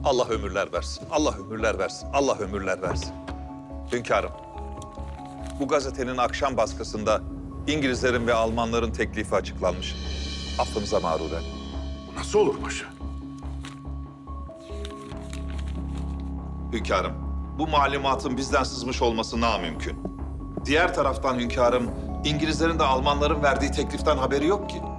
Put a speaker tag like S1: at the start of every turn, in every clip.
S1: Allah ömürler versin, Allah ömürler versin, Allah ömürler versin. Hünkârım, bu gazetenin akşam baskısında İngilizlerin ve Almanların teklifi açıklanmış. Affınıza mağruren.
S2: Nasıl olur paşa?
S1: Hünkârım, bu malumatın bizden sızmış olması namümkün. Diğer taraftan hünkârım, İngilizlerin de Almanların verdiği tekliften haberi yok ki.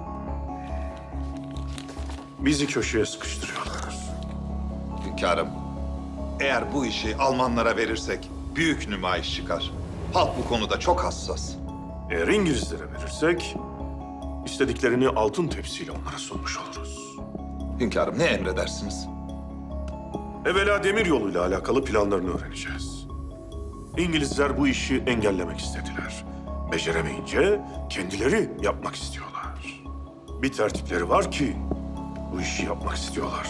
S2: Bizi köşeye sıkıştırıyorlar.
S1: Hünkârım, eğer bu işi Almanlara verirsek büyük nümayiş çıkar. Halk bu konuda çok hassas.
S2: Eğer İngilizlere verirsek, istediklerini altın tepsiyle onlara sunmuş oluruz.
S1: Hünkârım, ne emredersiniz?
S2: Evvela demir yoluyla alakalı planlarını öğreneceğiz. İngilizler bu işi engellemek istediler. Beceremeyince kendileri yapmak istiyorlar. Bir tertipleri var ki bu işi yapmak istiyorlar.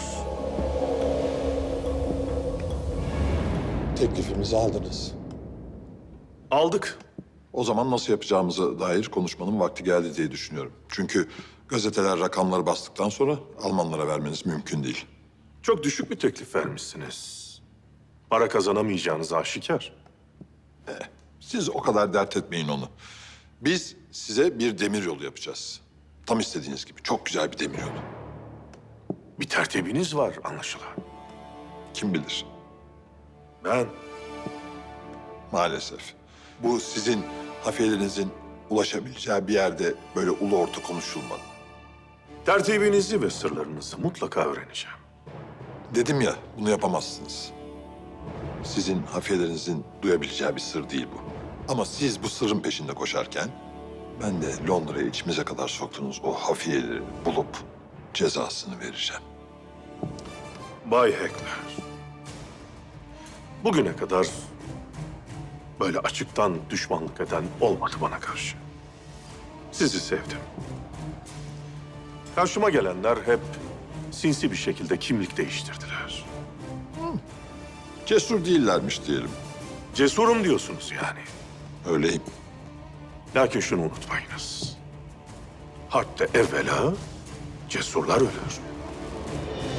S3: Teklifimizi aldınız.
S2: Aldık.
S3: O zaman nasıl yapacağımıza dair konuşmanın vakti geldi diye düşünüyorum. Çünkü gazeteler rakamları bastıktan sonra Almanlara vermeniz mümkün değil.
S2: Çok düşük bir teklif vermişsiniz. Para kazanamayacağınız aşikar.
S3: Siz o kadar dert etmeyin onu. Biz size bir demir yolu yapacağız. Tam istediğiniz gibi. Çok güzel bir demir yolu.
S2: Bir tertibiniz var anlaşılan.
S3: Kim bilir?
S2: Ben
S3: Maalesef. Bu sizin hafiyelerinizin ulaşabileceği bir yerde böyle ulu orta konuşulmadı.
S2: tertibinizi ve sırlarınızı mutlaka öğreneceğim.
S3: Dedim ya, bunu yapamazsınız. Sizin hafiyelerinizin duyabileceği bir sır değil bu. Ama siz bu sırrın peşinde koşarken, ben de Londra'ya içimize kadar soktuğunuz o hafiyeleri bulup cezasını vereceğim.
S2: Bay Heckler. Bugüne kadar böyle açıktan düşmanlık eden olmadı bana karşı. Sizi sevdim. Karşıma gelenler hep sinsi bir şekilde kimlik değiştirdiler.
S3: Cesur değillermiş diyelim.
S2: Cesurum diyorsunuz yani.
S3: Öyleyim.
S2: Lakin şunu unutmayınız. Harpte evvela cesurlar ölür.